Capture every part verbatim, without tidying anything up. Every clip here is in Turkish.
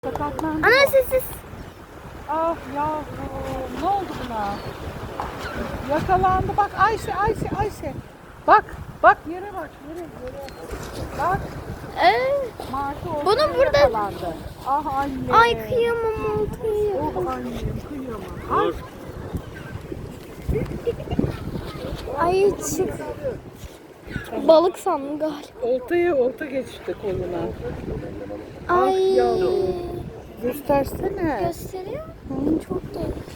Sakatlandı. Ana sessiz. Ah yavrum, ne oldu buna? Yakalandı. Bak Ayşe, Ayşe, Ayşe. Bak, bak yere bak, yere, yere. Bak, Ee, Martı ortaya Bunu burada- yakalandı. Ah anne. ay kıyamam oltayı. Oh annem, kıyamam. Ay. Ay çık. Balık sandım galiba. Oltaya olta geçti koluna. Ay. Ah yavrum. Göstersene. Gösteriyor mu? Çok değişik.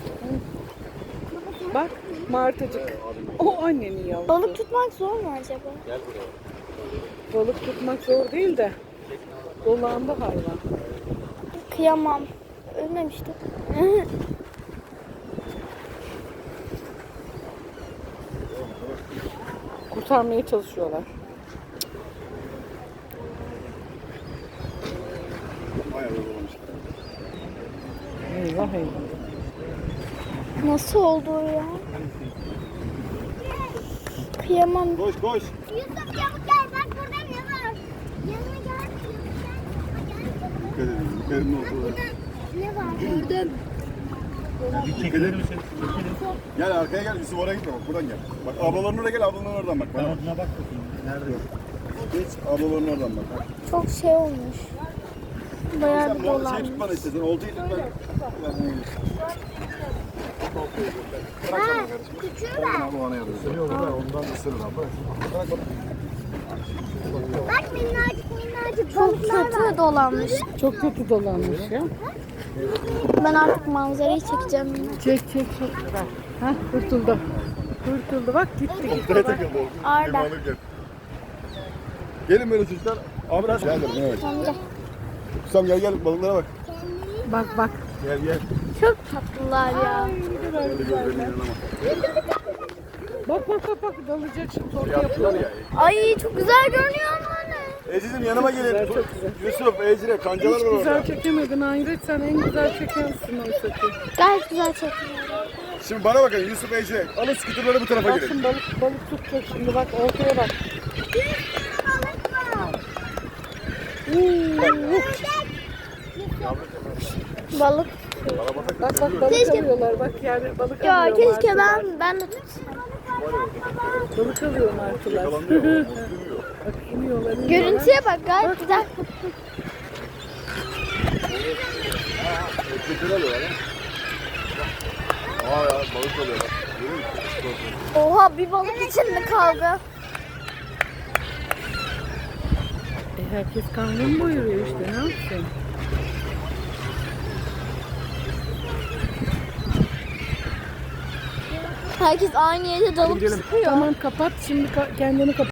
Bak martıcık. O annenin yavrusu. Balık tutmak zor mu acaba? Balık tutmak zor değil de. Dolandı hayvan. Kıyamam. Ölmemişti. Kurtarmaya çalışıyorlar. Eyvah eyvah. Nasıl oldu o ya? Kıyamam. Koş koş. Yusuf çabuk gel, bak burada ne var? Yanıma gel. Dikkat edin. Yukarının ortaları. Ne var? Gördüm. Çekilir misin? Gel arkaya gel. Yusuf oraya gitme bak. Buradan gel. Bak ablaların oraya gel. Ablaların oradan bak. Bana bak. Bak bakayım. Nerede? Geç ablaların oradan bak. bak. Çok şey olmuş. Bayağı Sen bir bu şey dolanmış. tutmanı istedin. Oltayı tut ben. Ha, küçüğü ver. Abi bana yardım. Yok da ondan ısırır abla. Bak minnacık minnacık Çok balıklar var. kötü dolanmış. Çok kötü dolanmış ya. Ben artık manzarayı çekeceğim. Çek çek çek. Bak. Hah kurtuldu. Kurtuldu bak gitti gitti. Oltaya Bak. takıldı. Arda. Limanı gel. Gelin böyle çocuklar. Abi biraz gel dedim evet. Amca. Kusam gel gel balıklara bak. Bak bak. Gel gel. Çok tatlılar ya. Öyle gözlerine inanamam. Bak bak bak bak dalacak şimdi orta Yaptılar yapıyor. ya. Ay çok güzel görünüyor ama ne? Eciz'im yanıma gelin. güzel, çok güzel. Yusuf, Ecre, kancalar Hiç var güzel orada. çekemedin Hayret, sen en güzel çekensin oysa ki. Gayet güzel çekiyor. Şimdi bana bakın Yusuf, Ecre. Alın skuterları bu tarafa Bak girin. şimdi balık, balık tutacak şimdi bak ortaya bak. Balık. Bak bak balık Keşke- alıyorlar bak yani balık Ya alıyor keşke martılar. ben ben de tutsam. Balık alıyor martılar. Yakalanıyor. Duruyor. Bak iniyorlar iniyorlar. Görüntüye bak gayet güzel. Skuter alıyorlar ha. Aa ya balık alıyorlar. Görüyor musun? Oha bir balık içinde kaldı. E, herkes karnını doyuruyor işte ne yapsın? Herkes aynı yere dalıp sıkıyor. Tamam kapat şimdi ka- kendini kapat.